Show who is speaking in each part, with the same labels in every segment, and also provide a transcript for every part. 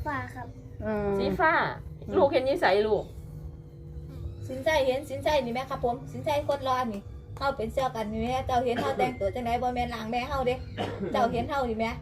Speaker 1: ฟ้าครับ
Speaker 2: สีฟ้าลูกเห็นนิสัยลูก
Speaker 3: สินใจเห็นสินใจนี่แม่ครับผมสินใจโคตรร้อนนี่เฮาเป็นเจ้ากันนี่แม่เจ้าเห็นเฮาแต่งตัวจังไดบ่แม่นหลังแม่เฮาเด้เจ้าเห็นเฮานี่แม่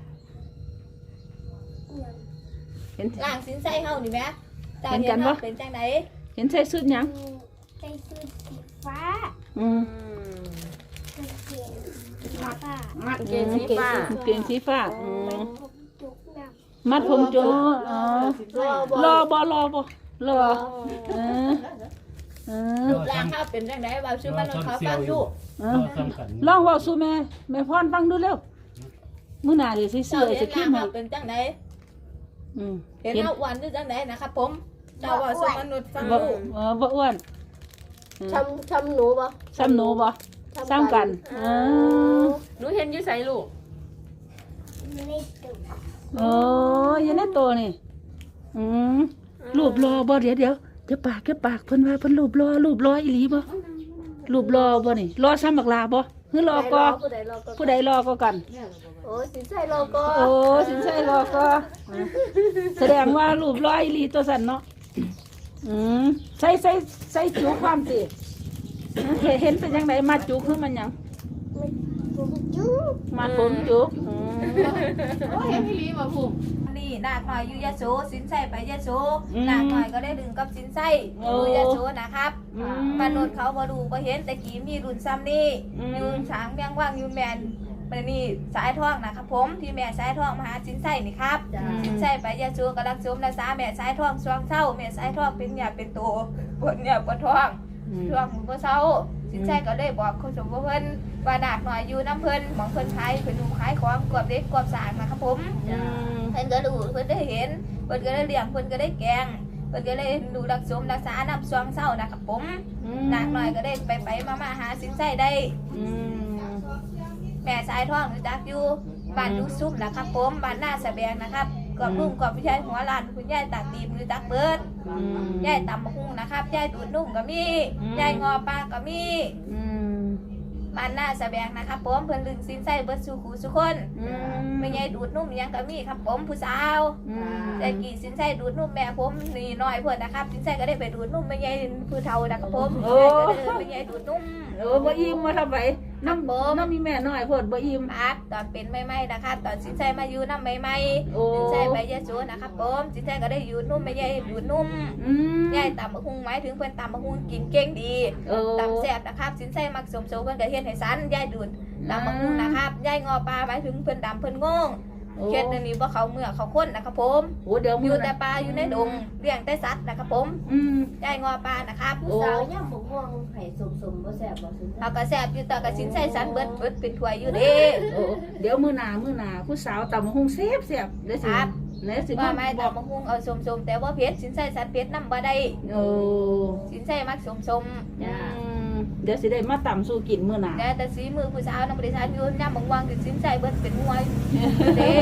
Speaker 4: เห็น
Speaker 3: หลังสินใจเฮานี่แม่เจ้าเห็นเฮาเป็นจังได
Speaker 4: เห็นใส่ชุดหยัง
Speaker 1: ใจซื้อสีฟ้า
Speaker 4: อืม
Speaker 1: กางเกงสีฟ้า
Speaker 2: มัดเกงสีฟ้า
Speaker 4: เกงสีฟ้าอื
Speaker 1: มัน
Speaker 4: ม
Speaker 1: ผมจุกด
Speaker 4: มัดผมโจอ๋อรอบ่รอเออ
Speaker 3: รูปร่างเฮาเป็นจังไดเว้าชื่อมันเขาฟังดู
Speaker 4: ลองเว้าสู่แม่พรฟังดูเร็วมื้อหน้าดิสิซื้
Speaker 3: เจ้า
Speaker 4: อไอ้
Speaker 3: เห็
Speaker 4: ส
Speaker 3: น
Speaker 4: ครีม
Speaker 3: ร่าง
Speaker 4: ให้
Speaker 3: เฮาเป็นจังได
Speaker 4: อืม
Speaker 3: เห็นเฮาอ้วนหรือจังไดนะครับผมเจ้าเว้าสู่มนุษย์ฟัง
Speaker 4: บ่
Speaker 3: ดู
Speaker 4: บ่อ้วน
Speaker 5: ช้ำหนูบ่
Speaker 4: ซ้ำหนูบ่ซ้ำกัน
Speaker 2: หนูเห็นอยู่ใส่ลูก
Speaker 1: ำไม่ได้ตุก
Speaker 4: โอ้ยยังได้โตนี่อืมรูปรอบ่เดี๋ยวปากเพิ่นว่าเพิ่นรูปรออีหลีบ่รูปรอบ่นี่รอซ้ำบักลาบ่หรือรอก็
Speaker 5: ผู้ใดรอก็
Speaker 4: ผู้ใดรอก็กัน
Speaker 5: โอ้สินใจรอก็
Speaker 4: โอ้สินใช่รอก็แสดงว่ารูปรออีหลีตัวสั่นเนาะอืมใส่จุความสิเห็นเป็นจังไดมาจุคือมันหยัง
Speaker 1: ผมจุก
Speaker 4: มาผมจุอืม
Speaker 3: นี่นาคน้อยอยู่ยะโสสินใจไปยะโสนาคน้อยก็ได้ดึงกับสินใจอยู่ยะโสนะครับ มนุษย์เขาบ่ดูบ่เห็นแต่กี้มีรุ่นซ้ำนี่อยู่ช้างแมงว่างอยู่แมนมันนี่สายทองนะครับผมที่แม่สายทองมาหาสินไส้นี่ครับสินไส้ไปยาชูกำลังชมรักษาแม่สายทองช่วงเศร้าแม่สายทองเป็นหยาเป็นโตปวดหยาปวดท้องช่วงบ่เศร้าสินไส้ก็ได้บอกคนสมบูรณ์เพิ่นว่าดากหน่อยอยู่น้ำเพิ่นหมองเพิ่นขายเพิ่นดูขายของกวบเด็กกวบสางนะครับผมเพิ่นก็ดูเพิ่นได้เห็นเพิ่นก็ได้เลี้ยงเพิ่นก็ได้แกงเพิ่นก็ได้ดูรักษารักษาน้ำช่วงเศร้านะครับผมดากหน่อยก็ได้ไปมาหาสินไส้ได้แม่สายทองรู้จักอยู่บ้านดูซุ่มนะครับผมบ้านหน้าสะแบงนะครับกอบลุงกอบพี่ชายหัวลานคุณยายตากดีมรู้จักเบิดยายตำมะฮุ่งนะครับยายดูดนุ่มก็มียายงอปลาก็มีบ้านหน้าสะแบงนะครับผมเพิ่นลึงสินไส้เบิดสู่หูสุคนไม่ยายดูดนุ่มยังก็มีครับผมผู้สาวแต่กี่สินไส้ดูดนุ่มแม่ผมนี่น้อยเพิ่นนะครับสินไส้ก็ได้ไปดูดนุ่มไม่ยายผู้เฒ่านะครับผมไม่ยายดูดนุ่ม
Speaker 4: บ่อิ่มมาทำไมน้ำมีแม่น้อยพดบ่อิ่ม
Speaker 3: ครับตอนเป็นใหม่ๆนะครับตอนสินใจมาอยู่น้ำใหม่
Speaker 4: โอ้
Speaker 3: ๆสินใจไปยะโสนะครับผมสินใจก็ได้อยู่นุ่มไม่ใหญ่อยู่นุ่มใหญ่ตำมะฮุงหมายถึงเพื่อนตำมะฮุงกินเก่งดีตำแซ่บนะครับสินใจมักสมโซเพื่อนก็เฮ็ดให้สันยายดูดตำมะฮุงนะครับยายงอปลาหมายถึงเพื่อนดำเพื่อนงงเฮ็ดนี้ว่าเขาเมื่อเขาค้นนะครับผม
Speaker 4: โอ้เดี๋ยว
Speaker 3: อยู่แต่ปลาอยู่ในดงเลี้ยงแต่สัตว์นะครับผมยายงอปลานะครับ
Speaker 5: ผู้สาวย่ำบกม่วงไข่สมบ่แซ่บบ่สินใจ
Speaker 3: เขาก็แซ่บอยู่แต่กับสินใจสันเบิดเป็นถ้วยอยู่เด้
Speaker 4: เดี๋ยวมื้อหน้าผู้สาวตำหุงเสียบเดี๋ยวสิเดี๋ยวสิ
Speaker 3: ว่าไม่
Speaker 4: บอก
Speaker 3: ตำมะฮุงเอาสมๆแต่ว่าเผ็ดสินใจสันเผ็ดน้ำบ่ได้
Speaker 4: โอ้
Speaker 3: สินใจมักสม
Speaker 4: เดี๋ยวสิได้มาตำสู่กินมื้อหน้า
Speaker 3: แต่สีมือผู้สาวน้ำบริษัทอยู่ย่ำบางวังคือสินใจเบิดเป็นมวยเด้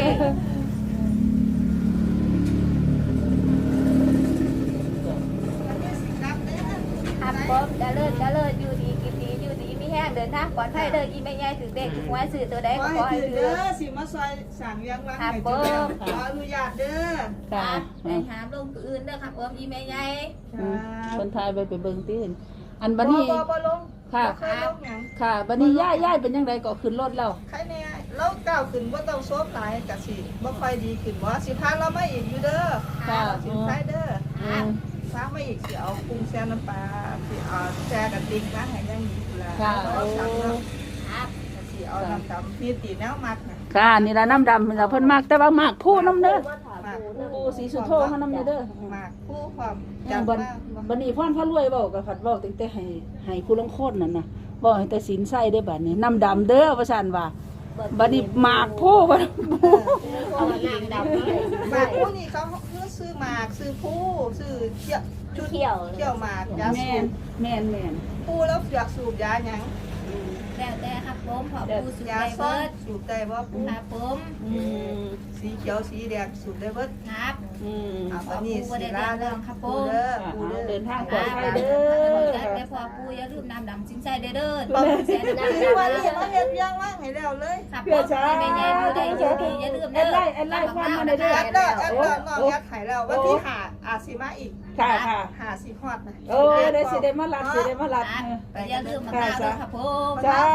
Speaker 3: ครับผมจะเลิศอยู่ดีกินดีอยู่ดีมีแห้งเดินทางปลอดภัยเด้ออีแม่ใหญ่ถือเด็กถือหวยสื่อตัวใดก็ขอให้ถือ
Speaker 6: สิมาซอยสั่งยังรังให้เจ้าขออนุญาตเด้อ
Speaker 3: ครับไปหามลงตัวอื่นเด้อครับผมอีแม่ใหญ่
Speaker 4: คนไทยไปเบิ่งติอันบัดนี้
Speaker 6: บ่ลง
Speaker 4: ค่ะ
Speaker 6: เคยลงหยัง
Speaker 4: ค่ะบัดนี้ย่ายเป็นจังไดก็ขึ้นรถแล้ว
Speaker 6: ใครแน่เราก้าวขึ้นบ่ต้องโซมหลายก็สิบ่ค่อยดีขึ้นบ่สิพาเรามาอีกอยู่เด้อ
Speaker 4: ค่ะ
Speaker 6: สิใช้เด้อพามาอีกสิเอาปรุงแซ่น้ำปลาสิเอาแซ่กับติ๊กนะให้ยังมีพุ่นล่ะ
Speaker 4: ค่ะ
Speaker 6: เอาสั่งเนาะ
Speaker 3: ครับ
Speaker 6: สิเอาน้ำดำมีตีแนวมักนะ
Speaker 4: ค่ะนี่ล่ะน้ำดำเราเพิ่นมักแต่ว่ามักผู้น้ำเด้อ
Speaker 5: มาถาม
Speaker 6: มัก
Speaker 4: ผู้สีสุโธเฮานำเด้อ
Speaker 6: มักผู้ความ
Speaker 4: จัง
Speaker 6: จำ
Speaker 4: บั
Speaker 6: มา
Speaker 4: ดบัดนี้พ่อนพระรวยเว้าก็ผัดเว้าตั้งแต่ให้ผู้ลงโคตรนั่นน่ะบ่ให้แต่ศีลใส่ได้บัดนี้น้ำดำเด้อว่าซั่นว่าบัดนี้หมากผู้บัด
Speaker 5: เอาหนังดำมาให้สินใจ
Speaker 6: หมากผู้นี่เขาซื้อหมากซื้อผู้ซื้อเที่ยวชุด
Speaker 5: เที่ยว
Speaker 6: เที่ยวหมากยา
Speaker 4: แม่
Speaker 6: สู
Speaker 4: น
Speaker 6: บ
Speaker 4: แม่น
Speaker 6: ผู้แล้วอยากสูบยาหยัง
Speaker 4: ค
Speaker 3: แล้วแต่ครับผมขอปูสุด
Speaker 6: ยา
Speaker 3: ใจ
Speaker 6: ซ่อ
Speaker 3: เบิ
Speaker 6: น
Speaker 3: ด
Speaker 6: สูบได้บ่ปู
Speaker 3: ครับผม
Speaker 4: อืม
Speaker 6: สีเขียวสีแดงสูบได้เบิด
Speaker 3: ครับ
Speaker 4: อืม
Speaker 6: วันนี้สิลาเรื่องปูเด้อปูเด้อ
Speaker 4: เดินทาง
Speaker 3: ค
Speaker 4: ปลอ
Speaker 3: รั
Speaker 4: ด
Speaker 3: บ
Speaker 4: ภัยเด้อ
Speaker 3: แต่พอปูอย่าลืมน้ำดำสินใจเด้อต้องเสียน้ำ
Speaker 6: นี่วัน
Speaker 3: ดำ
Speaker 6: นี้มาเฮ็ดยังว่างให้แล้วเลย
Speaker 3: ครับผมไม่ใหญ่ดูได้อยู่ดีอย่าลืม
Speaker 4: แอ
Speaker 3: เด้
Speaker 4: ด
Speaker 3: อ
Speaker 4: ไลน์ความมาได้เด้อ
Speaker 6: แอดเด้อแอดเด้อน้องแอดไห้แล้ววันที่5อาสิมาอีก
Speaker 4: ค่ะค่ะ
Speaker 6: 5สิฮอดนะ
Speaker 4: โอ้ได้สิได้มารับสิได้มารับ
Speaker 3: แต่อย่าลืมมาตาด้วยครับผม
Speaker 4: จ้า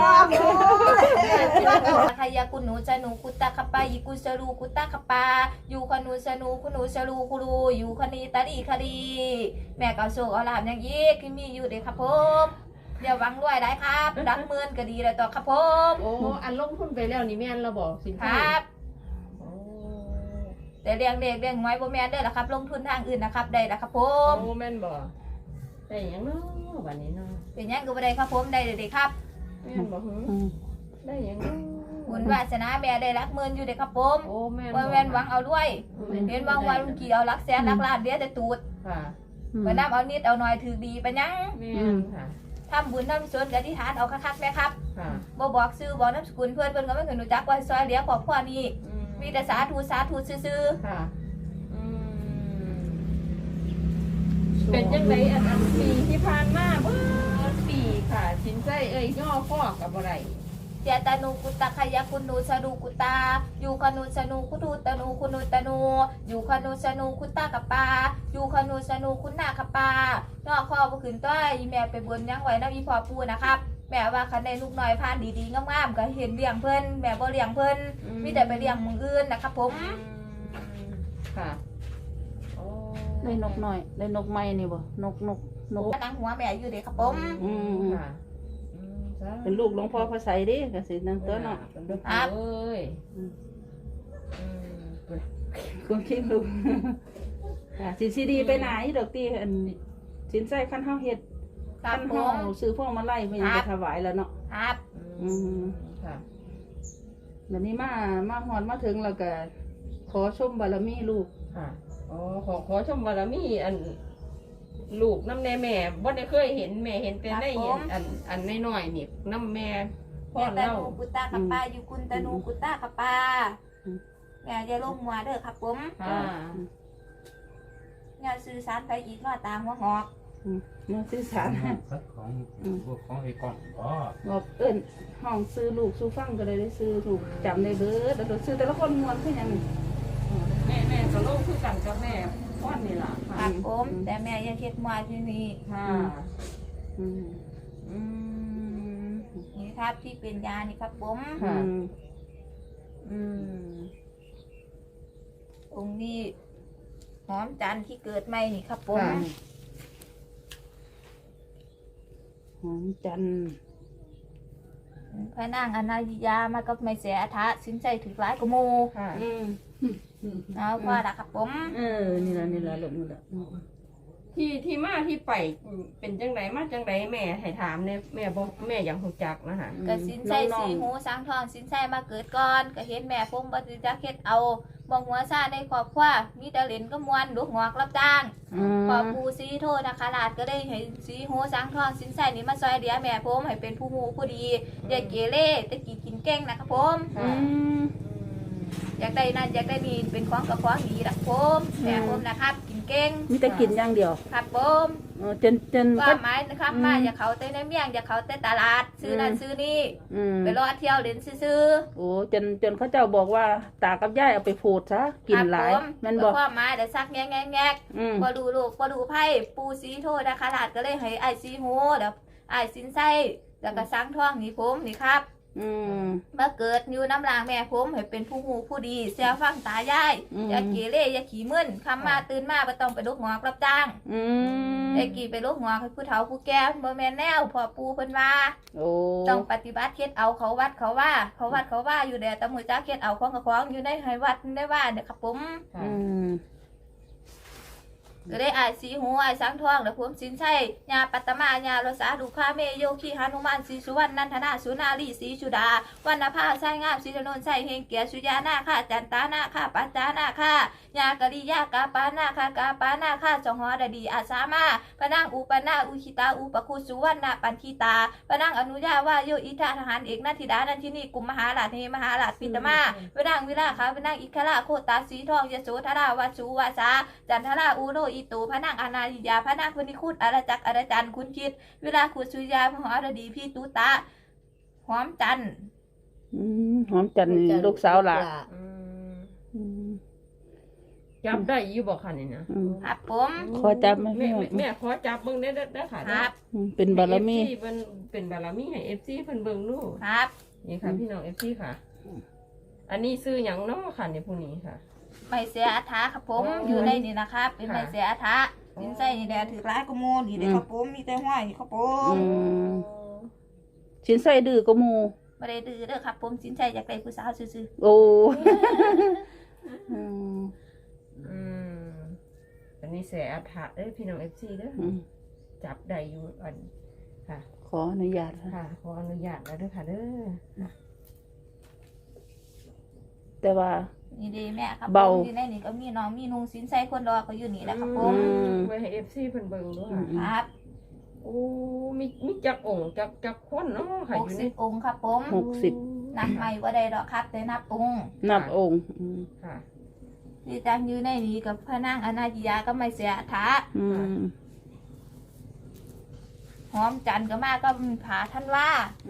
Speaker 3: ใครยากุหนูจะหนูกุตาคปายิกุสรูกุตาคปาอยู่คนูสนูคุนูสรูคุรูอยู่คณีตาดีคดีแม่เก่าโศกเอาลามอย่างยี้คือมีอยู่เด็กครับผมอย่าหวังรวยได้ครับรักเมือนก็ดีเลยต่อครับผม
Speaker 2: โอ้อันลงทุนไปแล้วนี่แม่นเราบอกสิน
Speaker 3: ค
Speaker 2: ค้า
Speaker 3: รับ
Speaker 2: โอ้
Speaker 3: แต่เรียงเด็กเรียงไว้บ่แม่นได้ละครับ ลงทุนทางอื่นนะครับได้ละครับผม
Speaker 2: โอ้แม่นบอกได้หยังเนาะวันนี้เนาะ
Speaker 3: เป็นหยังก็บ่ได้ครับผมได้เด็กครับ
Speaker 2: แม่นบอกหือได้หยังเนาะ
Speaker 3: บุญวาสนาแม่ได้รักเมือนอยู่เด็กครับผม
Speaker 2: โอ้แม่น
Speaker 3: บ่แม่นหวังเอาด้วย
Speaker 2: แม่น
Speaker 3: เห็นว่าวันกี่เอารักแสนรักล้านเดียวแต่ตูด
Speaker 2: ค่ะ
Speaker 3: มานํเอานิดเอาหน่อยถือดีไปยัง
Speaker 2: แม่นค่ะ
Speaker 3: ทำบุญทำส่วนกับอธิษฐานเอาคักๆแม่ครับ
Speaker 2: ค่ะ
Speaker 3: บ่บอกชื่อบอกนามสกุลเพื่อนเพิ่นก็ไม่เคยรู้จักว่าซอยเหลือครอบครัวนี้
Speaker 2: อืม
Speaker 3: มีแต่สาธุซื่อ
Speaker 2: ค่ะอืมเป็นจังไดอันปีที่ผ่านมาเบิดปีค่ะ สินใจย่อข้อกับอะไร
Speaker 3: ๆเจตานูกุตตะขยะคุณนูสนูกุตาอยู่คนูสนูคุตูตะนูคุนูตะนูอยู่คนูสนูคุตตะกะปาอยู่คนูสนูคุณนาคปานอกข้อบ่ขึ้นต้อยอีแม่ไปบนยังไว้นำอีพ่อปู่นะครับแม่ว่าคันได้ลูกน้อยผ่านดีๆงามๆก็เห็นเลี้ยงเพิ่นแม่บ่เลี้ยงเพิ่นมีแต่ไปเลี้ยงมึงอื่นนะครับผม
Speaker 2: ค่ะโอ้
Speaker 4: ได้นกหน่อยได้นกไม้นี่บ่นก
Speaker 3: ตั้งหัวแม่อยู่เด้ครับผม
Speaker 4: อืม
Speaker 2: ค่ะอืมจ้า
Speaker 4: เป็นลูกหลวงพ่อพระไสยเด้ก็สินั่งตัวเนาะ
Speaker 2: เป็นลูกเอ้ยอืม
Speaker 4: คุณคิดลูกค่ะสิดีไปไหนดอกตีอันสินใจคันเฮาเฮ็ด
Speaker 3: ครั
Speaker 4: คั
Speaker 3: บ
Speaker 4: น
Speaker 3: ผ
Speaker 4: เฮาม ซื้อพวงมาลัยเพิ่นไปถวายแล้วเนาะ
Speaker 3: ครับ
Speaker 2: อืมค่ะ
Speaker 4: วันนี้มาฮอดมาถึงแล้วก็ขอชมบารมีลูก
Speaker 2: ค่ะอ๋อขอชมบารมีอันลูกน้ำแน่แม่บ่ได้เคยเห็นแม่เห็นแต่ได้เห็นอันน้อยๆนี่น้ำแม่พ่อ
Speaker 3: ตา
Speaker 2: เล่า
Speaker 3: นูกุตตากับปาอยู่คุณตานูกุตตากับปาแม่อย่าลงหัวเด้อครับผม
Speaker 2: ค่ะ
Speaker 3: อย่าสื่อสารไปอีกว่าตาหัวงอก
Speaker 4: มาสื่อสาร
Speaker 7: ของพวกของไอ้กล้องอ๋อ
Speaker 4: บอกเอิ้นห้องซื้อลูกสู้ฟังก็เลยได้ซื้อลูกจำได้เบิดแล้วก็ซื้อแต่ละคนม่วนคือหยังนี่
Speaker 2: แม่ก็โลกคือกันกับแม่พ่อนี่ล่ะ
Speaker 3: ค
Speaker 2: ค่ะ
Speaker 3: รับผมแต่แม่อย่าเฮ็ดมัวที่นี่
Speaker 2: ค่ะ
Speaker 4: อืม
Speaker 2: อืม
Speaker 3: นี่ครับที่เป็นยานี่ครับผม
Speaker 2: ค่ะ
Speaker 4: อืม
Speaker 2: อืม
Speaker 3: องค์นี้หอมจันทร์ที่เกิดใหม่นี่ครับผม
Speaker 2: ค่ะ
Speaker 4: หอมจันทร์
Speaker 3: พระนางอนายิยามากับไม่เสียอาทะสินใจถือร้ายกว่าหมู
Speaker 2: ค่ะ
Speaker 4: อืม
Speaker 3: เอาพอละครับผม
Speaker 4: นี่ล่ะลูกนี่ล่ะ
Speaker 2: ที่มาที่ไปเป็นจังไดมาจังไดแม่ให้ถามเนี่ยแม่บอกแม่อยากรู้จักนะคะ
Speaker 3: ก็สินใจสีหูสร้างทองสินใจมาเกิดก่อนก็เห็นแม่พงบ่สิจักเฮ็ดเอาบ่หัวซ่าในครอบครัวมีแต่เล่นก็มวนลูกหงอกรับจ้าง พอปูซีโทษนะคะลาดก็ได้ให้สีโหสังทองสินใส่นี้มาซอยเดียแม่ผมให้เป็นผู้มูผู้ดีอย่าเกเรตะกี้กินเก่งนะครับผม
Speaker 4: อืม
Speaker 3: อยากได้นั่นอยากได้นี่เป็นของกับของดีนะผมแม่ผมนะครับกินเก่ง
Speaker 4: มีแต่กินอย่างเดียว
Speaker 3: ครับผม
Speaker 4: จน
Speaker 3: ก็หมายนะครับมาอย่าเขาเต้นในเมียงอย่าเขาเต้นตลาดซื้อนั่นซื้อนี่
Speaker 4: อืม
Speaker 3: ไปรอเที่ยวเล่นซื้อ
Speaker 4: โอ้จนเขาเจ้าบอกว่าตากับยายเอาไปโพดซะกินหลาย
Speaker 3: ครับผม
Speaker 4: แม่นบอก
Speaker 3: ความหมายเดี๋ยวซักแงก
Speaker 4: อืม
Speaker 3: พอดูลูกพอดูไพ่ปูซีโทษนะคะลาดก็เลยให้ไอซีโหเดี๋ยวไอสินไส้แล้วก็สังทองนี่ผมนี่ครับ
Speaker 4: อืม
Speaker 3: เมื่อเกิดอยู่น้ำลางแม่ผมให้เป็นผู้หูผู้ดีเสียฟังตายาย
Speaker 4: อืม
Speaker 3: อย่าเกเรอย่าขี้มึนคำมาตื่นมาไปต้องไปลูกหงอกรับจ้าง
Speaker 4: อืม
Speaker 3: ไอ้กี่ไปลูกหงอกให้ผู้เฒ่าผู้แก่บ่แม่นแนวพอปูเพิ่นว่า
Speaker 4: โอ้
Speaker 3: ต้องปฏิบัติเคล็ดเอาเขาวัดเขาว่าเขาวัดเขาว่าอยู่แดแต่มือจ้าเคล็ดเอาของกับของอยู่ในให้วัดได้ว่าเนี่ยครับผม
Speaker 2: ค่ะ
Speaker 4: อืม
Speaker 3: ก็ได้อายสีหูอายสังทองและผมสินชัยญาปัตตมญาโลสาดุคาเมโยคีหานุมานศรีสุวรรณนันทนาสุนารีศรีชุดาวรรณภาไส้งามศรีถนนไส้เฮงเกียรติสุยานาค่าจันตานาค่าปัจจานาค่ายากะริยากาปานาค่ากาปานาค่าจงหอดดีอาสามาพนังอุปนาอุคิตาอุปคุสุวรรณปันทิตาพนังอนุญาว่าโยอิทาทหารเอกนาธิดานันทินีกุมมหาราชเฮมหาราชปิตมาพนังวิลาขาพนังอิคราโคตาสีทองยโสธราวาสุวาสาจันทราอูโรอิตูพนังอนายิยาพนังพุนิคุตอรจักอรจันคุณคิดเวลาขุดสุยาหอรดีพี่ตุตาหอมจัน
Speaker 4: หอมจันทร์ลูกสาวหล่ะ
Speaker 2: จับได้อยู่บ่ค่ะนี่นะครับ
Speaker 3: ผม
Speaker 4: ขอจับไหม
Speaker 2: แม่ขอจับเบิ่งได้ค่ะ
Speaker 3: ครับ
Speaker 4: เป็นบารมี
Speaker 2: เพิ่นเป็นบารมีให้ FC เพิ่นเบิ่งดู
Speaker 3: ครับ
Speaker 2: นี่ค่ะพี่น้อง FC ค่ะ อันนี้ซื้อหยังเนาะค่ะในผู้นี้ค่ะ
Speaker 3: ไม่เสียอัฐาครับผมอยู่ในนี่นะครับเป็นไม่เสียอัฐาสินใส่นี่แหละถือร้ายกโมนี่เลยครับผมมีแต่ห้อยนี่ครับผม
Speaker 4: สินใส่ดื้อก็หมู
Speaker 3: ไม่ได้ดื้อเด้อครับผมสินใส่จากใจผู้สาวซื่อ
Speaker 4: โอ้
Speaker 2: อันนี้แสอัฐะเด้อพี่น้อง FC เด้อจับได้อยู่อันค่ะ
Speaker 4: ขออนุญาตค่ะ
Speaker 2: ค่ะขออนุญาตแล้วเด้อค่ะเด้อ
Speaker 4: แต่ว่า
Speaker 3: ๆนี่ดีแม่ครับ
Speaker 4: เบา
Speaker 3: ผมอยู่ในนี่ก็มีน้องมีนุ่งสินใส่คนรอก็อยู่นี่แหละครับผม
Speaker 2: ไว้ให้ FC เพิ่นเบิ่งด้วย
Speaker 3: ครับ
Speaker 2: โอ้มีจักองค์จักคนเนาะค่ะอยู่ใน
Speaker 3: 60 องค์ครับผม
Speaker 4: 60
Speaker 3: นับใหม่ว่าได้ดอกครับแต่นับองค์
Speaker 4: นับองค์
Speaker 2: ค่ะ
Speaker 3: ที่ตั้งอยู่ในนี้กับพระนางอนาจิยาก็ไม่เสียอัฐาหอมจันทร์ก็มาก็ผาท่านว่า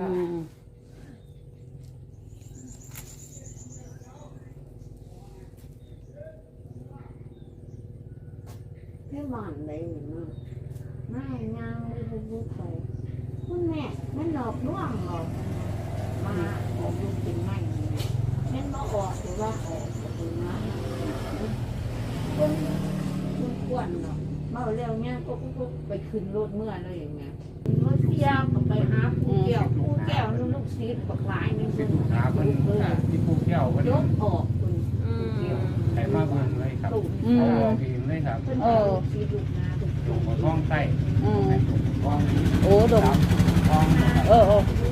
Speaker 5: ให้บ้านได้เนาะไม่งานไม่รู้ไปคุณแม่มันหลอกลวงหรอกมาออกลูกเป็นไม่แม่มาออกหรือว่าออกเป็นมาคุณควรเนาะมาเร็วเนี่ยก็ไปขึ้นรถเมื่อเลยอย่างเงี้ยเมื่อเที่ยวก็ไปหาผู้แก้วลูกศิษย์บักหลายนึง
Speaker 7: เป็นหาเพิ่นที่ผู้แก้วเพิ่น
Speaker 5: ยกออกคุณ
Speaker 7: ให้มาเบิ่งเลยครับเอาออกเองเลยครับ
Speaker 5: ศิษย์ลูกนาทุก
Speaker 7: ลงมาท้องใต้ลงมาท้อง
Speaker 4: โอ้ดม
Speaker 7: ท้อง
Speaker 4: เออ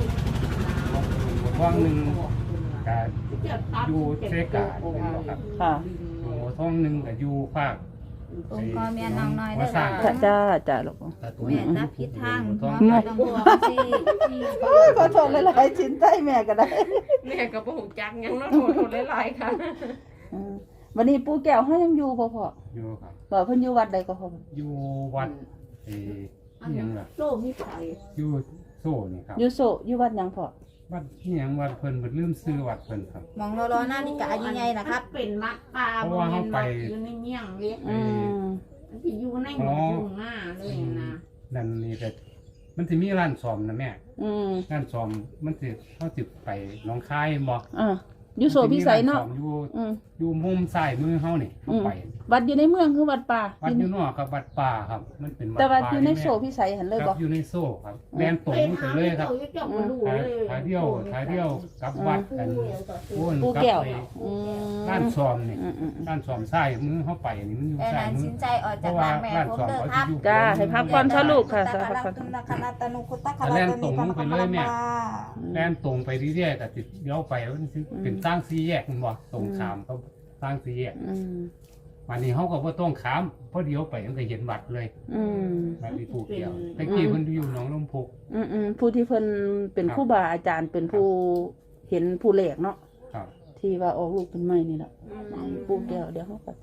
Speaker 7: ท้องหนึ่งก็อยู่เซกาเป็นบ่ครับ
Speaker 4: ค่ะ
Speaker 7: ลงมาท้องหนึ่งก็อยู่ภาค
Speaker 3: องค์ก็แม่น้องน้อยเด้อ
Speaker 7: สร้าง
Speaker 3: ค่ะ
Speaker 4: จ้าลูก
Speaker 3: แม่ตาพิษทาง
Speaker 7: ท้อง
Speaker 3: หมอต้องบอกสิ
Speaker 4: ขอโทษหลายๆสินใส่แม่ก็ได้
Speaker 2: แม่ก็บ่ฮู้จักหยังเนาะโทษหลายๆค่ะ
Speaker 4: วันนี้ปู่แก้วเฮายังอยู่บ่พ่อ
Speaker 7: อยู่ครับ
Speaker 4: ว่าเพิ่นอยู่วัดใดก็พ่อ
Speaker 7: อยู่วัดอิหยังล่ะ
Speaker 5: โซ่มีไข่
Speaker 7: อยู่โซ่นี่ครับ
Speaker 4: อยู่โซอยู่วัดหยังพ่อ
Speaker 7: วัดอิหยังวัดเพิ่นลืมซื้อวัดเพิ่นครับ
Speaker 3: มองรอหน้านี่กะยังไงนะครับ
Speaker 5: เป็นมัดปลาอยู่ในเมี่ยงเล็กที่อยู่ในหมอยู่หน้าเลยนะ
Speaker 7: นั่นนี่ก็มันสิมีร้านซ่อมนะแม่ ร้านซ่อมมันสิเฮาสิไปหนองคายบ่
Speaker 4: อยู่โซพิสัยเนาะ
Speaker 7: อยู่มุมซ้ายมือเฮานี่เฮาไป
Speaker 4: วัดอยู่ในเมืองคือวัดป่า
Speaker 7: วัดอยู่นอกครับวัดป่าครับ มันเป็นวัด
Speaker 4: แต่ว่า
Speaker 7: ป่า
Speaker 4: อยู่ในโซพิสัยหันเลย
Speaker 7: ค
Speaker 4: บ่
Speaker 7: รับอยู่ในโซ่ครับแล่นตรงไปเลยครับถ่ายเดียวกลับวัดกันวนกลับไปร้านซ่อมนี่ร้านซ่อมซ้ายมือเฮาไปนี่มันอยู่
Speaker 3: แต่
Speaker 7: ซ้าย
Speaker 3: นั้น
Speaker 7: มื
Speaker 3: สิ
Speaker 7: อน
Speaker 3: ใจออก
Speaker 7: เพ
Speaker 3: จาก
Speaker 7: ราะว่า
Speaker 3: ร้านแม่
Speaker 7: ร้าน
Speaker 3: ผม
Speaker 7: ซ่อม
Speaker 3: เด้อ
Speaker 7: เขา
Speaker 3: ค
Speaker 7: จะ
Speaker 3: รับ
Speaker 7: อยู่
Speaker 4: จ้าให้พักผ่อนซะลูกค่ะ
Speaker 3: ตะกะตุนคณะตะนุคุตะคณะตะนิพพะ
Speaker 7: แล่นตรงไปเรื่อยๆก็ติดเลี้ยวไปมันสิเป็นทางสี่แยกมันบ่ตรงข้ามก็ทางสี่แยกวันนี้เขาก็บ่ต้องขามเพราะเดี๋ยวไปมันก็เห็นวัดเลยวัดที่ผู้เกี่ยวแต่กี้เพิ่นอยู่หนองลมพุก
Speaker 4: ผู้ที่เพิ่นเป็นครูบาอาจารย์เป็นผู้เห็นผู้แหลกเนาะ
Speaker 7: ครับ
Speaker 4: ที่ว่าออกลูกเป็นไม้นี่แหละปู่แก้วเดี๋ยวเขาก็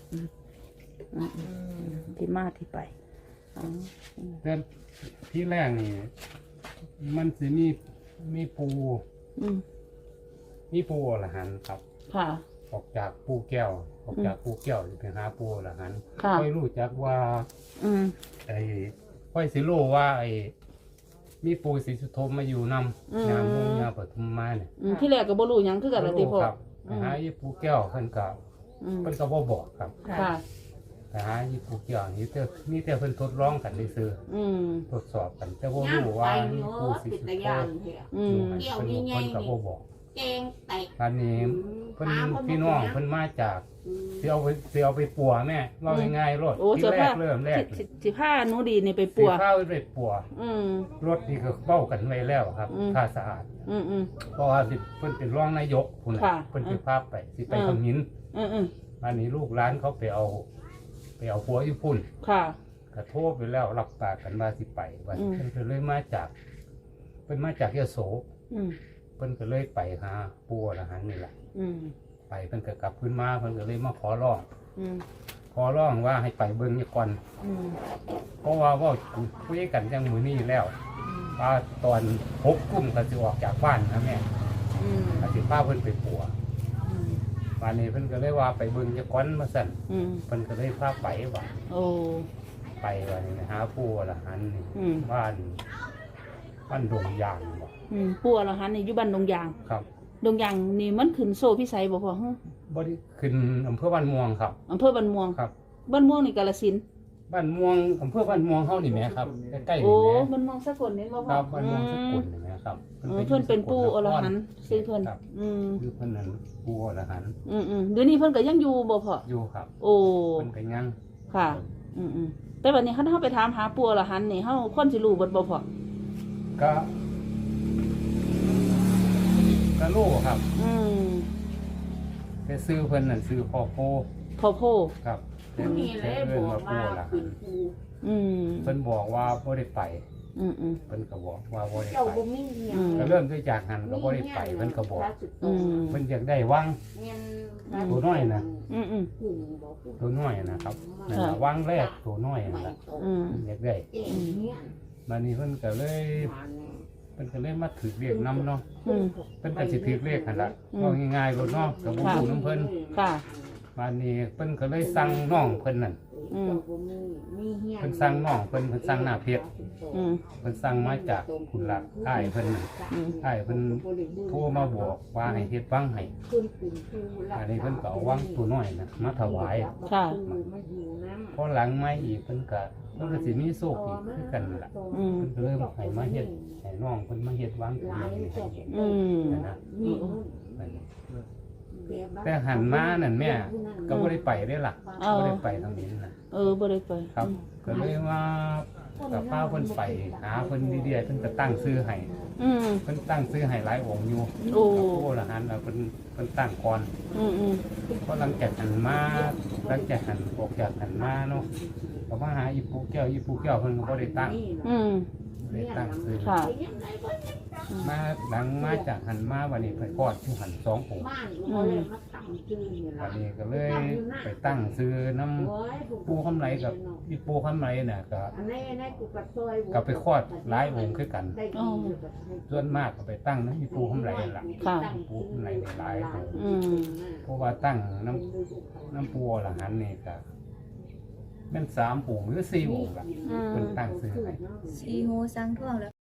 Speaker 4: ที่มาที่ไป
Speaker 7: แต่ที่แรกนี่มันสิมีปูอรหันต์ครับ
Speaker 4: ค่ะ
Speaker 7: ออกจากปูแก้วไปหาปูอรหันต์
Speaker 4: ค่ะ
Speaker 7: ค่อยรู้จักว่า ไอ้ค่อยสิรู้ว่าไอ้มีปูศรีสุโธมาอยู่นำยามงยาปทุมมาเนี่ย
Speaker 4: ที่แรกก็บ่รู้หยังคือกันล่ะติพ่อ
Speaker 7: ครับไปหาอีปูแก้วเพิ่นก็บ่บอกครับ
Speaker 4: ค่ะ
Speaker 7: ไปหาอีปูแก้วนี่แต่เพิ่นทดลองกันซื่อทดสอบกันแต่บ่รู้ว่ามีปูศรีสุโธอยู่เพิ่นก็บ่บอก
Speaker 5: แกงแต
Speaker 7: ตอนนี้เพิ่นพี่น้องเพิ่นมาจากสิเอาไปปัวแม่เล่าง่ายๆรถ
Speaker 4: โอ้
Speaker 7: ที่
Speaker 4: เสื้อ
Speaker 7: แร
Speaker 4: ผ้าก
Speaker 7: เริ่มแรก
Speaker 4: สิผ้าหนูดีนี่ไป
Speaker 7: สิ
Speaker 4: ปัว
Speaker 7: ข้าวไปปัว
Speaker 4: อืม
Speaker 7: รถนี่ก็เป้ากันไว้แล้วครับ
Speaker 4: อืม
Speaker 7: ค่าสะอาด
Speaker 4: อืมอืม
Speaker 7: เพราะว่าสิเพิ่นเป็นรองนายกพุ่นน่ะ
Speaker 4: ค่ะ
Speaker 7: เพิ่นสิพาไปสิไป
Speaker 4: อืม
Speaker 7: ขมิ้น
Speaker 4: อืมอืม
Speaker 7: อันนี้ลูกร้านเขาไปเอาผัวอยู่พุ่น
Speaker 4: ค่ะ
Speaker 7: กระโทษไปแล้วรับปากกันว่าสิไปวัน
Speaker 4: อืม
Speaker 7: เพิ่นก็เลยมาจากเพิ่นมาจากยโส
Speaker 4: อืม
Speaker 7: เพิ่นก็เลยไปหาปู่อรหันต์นี่แหละ
Speaker 4: อืม
Speaker 7: ไปเพิ่นก็กลับขึ้นมาเพิ่นก็เลยมาขอร้อง
Speaker 4: อืม
Speaker 7: ขอร้องว่าให้ไปเบิ่งนี่ก่อน
Speaker 4: อืม
Speaker 7: เพราะว่าเว่าคุยกันจังมื้อนี้แล้วว่าตอน6 กุมก็สิออกจากบ้านนะแม่
Speaker 4: อืม
Speaker 7: ก็สิพาเพิ่นไปปัว
Speaker 4: อืม
Speaker 7: วันนี้เพิ่นก็เลยว่าไปเบิ่งจักก่อนมาสั่น
Speaker 4: อืม
Speaker 7: เพิ่นก็เลยพาไปว่า
Speaker 4: โอ้
Speaker 7: ไปว่านี่นะหาปู่อรหันต์นี่
Speaker 4: อืม
Speaker 7: บ้านดงยางบ่
Speaker 4: อืมปู่อรหันต์นี่อยู่บ้านดงยาง
Speaker 7: ครับ
Speaker 4: ดงยางนี่มันขึ้นโซ่พิสัยบ่พ่อฮะ
Speaker 7: บ่ได้ขึ้นอำเภอบ้านม่วงครับ
Speaker 4: อำเภอบ้านม่วง
Speaker 7: ครับ
Speaker 4: บ้านม่วงนี่กาฬสินธุ์
Speaker 7: บ้านม่วงอำเภอบ้านม่วงเฮานี่แหมครับใกล้ๆ
Speaker 4: โอ้
Speaker 7: นี่แหม
Speaker 4: บ้านม่วงสกลนี่บ่
Speaker 7: ค
Speaker 4: พ่อ
Speaker 7: รับบ้านม่วงสกุลนี่แหมครับ
Speaker 4: เพิ่นเป็นปู่อรหันต์ชื่อเพิ่น
Speaker 7: ครับ
Speaker 4: อืม
Speaker 7: คือเพิ่นนั่นปู่อรหันต์
Speaker 4: อืมอืมเดี๋ยวนี้เพิ่นก็ยังอยู่บ่พ่อ
Speaker 7: อยู่ครับ
Speaker 4: โอ้
Speaker 7: เพิ่นก็ยัง
Speaker 4: ค่ะ อืมอืมแต่วันนี้คันเฮาไปถามหาปู่อรหันต์นี่เฮาคนสิรู้เบิดบ่พ่อ
Speaker 7: ก็รู้ครับ
Speaker 4: อืม
Speaker 7: แต่ซื้อเพิ่นนั่นซื้อพ่อโพ
Speaker 4: พ่อโพ
Speaker 7: ครับ
Speaker 5: ผู้นี้เลยบอกว่าเป็นครู
Speaker 4: อืม
Speaker 7: เพิ่นบอกว่าบ่ได้ไป
Speaker 4: อืมอืม
Speaker 7: เพิ่นก็บอกว่าบ่ได้
Speaker 5: เจ้า
Speaker 7: ไป
Speaker 5: บ่มีเงี้ย
Speaker 7: ก็เริ่มด้วยจากหันก็บ่ได้ไปเพิ่นก็บอก
Speaker 4: อืม
Speaker 7: เพิ่นอยากได้วัง ตัวน้อยนะ
Speaker 4: อืมอืม
Speaker 7: ตัวน้อยนะครับนั่นล่ะวังแรกตัวน้อยนั่นล่ะ
Speaker 4: อืม
Speaker 7: อยากได้มานี่เพิ่นก็เลยมาถือเรียกนำเนาะ
Speaker 4: อืม
Speaker 7: เพิ่นก็สิถือเรียกหั่นล่ะเอาง่ายๆรถเนาะก็บ่รู้นำเพิ่น
Speaker 4: ค่ะ
Speaker 7: มานี่เพิ่นก็เลยสั่งน้องเพิ่นนั่น
Speaker 4: อืม
Speaker 7: เพิ่นสั่งน้องเพิ่นสั่งหน้าเพชร
Speaker 4: อืม
Speaker 7: เพิ่นสั่งมาจากคุณลักอ้ายเพิ่นน่ะ
Speaker 4: อืม
Speaker 7: อ้ายเพิ่นโทรมาบอกว่าให้เฮ็ดวังให้อันนี้เพิ่นก็เอาวังตัวน้อยน่ะมาถวาย
Speaker 4: ค่ะ
Speaker 7: พอหลังมาอีกเพิ่นก็สิมีโชคอีกคือกันนั่นล่ะ
Speaker 4: อืม
Speaker 7: เพิ่นก็เริ่มให้มาเฮ็ดให้น้องเพิ่นมาเฮ็ดวังตัวนี้ให้
Speaker 4: อืม
Speaker 7: นะแต่หันมานั่นแม่ก็บ่ได้ไปเด้ล่ะบ่ได้ไปทางนี้น่ะ
Speaker 4: บ่ได้ไป
Speaker 7: ครับ ก็เลยว่ากับพาเพิ่นไปหาเพิ่นดีๆเพิ่นก็ตั้งชื่อให้
Speaker 4: อืม
Speaker 7: เพิ่นตั้งชื่อให้หลายองค์อยู่
Speaker 4: โอ้
Speaker 7: โอ้ละหันแล้วเพิ่นตั้งก่อน
Speaker 4: อืมอืม
Speaker 7: เพราะหลังจากหันออกจากหันมาเนาะก็มาหาอีปูแก้วเพิ่นก็บ่ได้ตั้ง
Speaker 4: อืม
Speaker 7: ได้ตั้งชื่อ
Speaker 4: ค่ะ
Speaker 7: มาหลังมาจากหันมาวันนี้ไปกอดที่หัน2องค์
Speaker 4: อืม
Speaker 7: วันนี้ก็เลยไปตั้งชื่อน้ำปูคำไหลกับอีปูคำไหลน่ะก็ไปคลอดหลายองค์คือกัน
Speaker 4: อ๋อ
Speaker 7: ส่วนมากก็ไปตั้งน้ำอีปูคำไหลนั่นล่ะ
Speaker 4: ค่ะ
Speaker 7: ปูคำไหลหลายองค์
Speaker 4: อืม
Speaker 7: เพราะว่าตั้งน้ำปูอรหันต์นี่ก็แม่น3 องค์หรือ4 องค์ล่ะ
Speaker 4: อืม
Speaker 7: เป็นตั้งซื้อให้
Speaker 3: สีหูสังท่วงแล้ว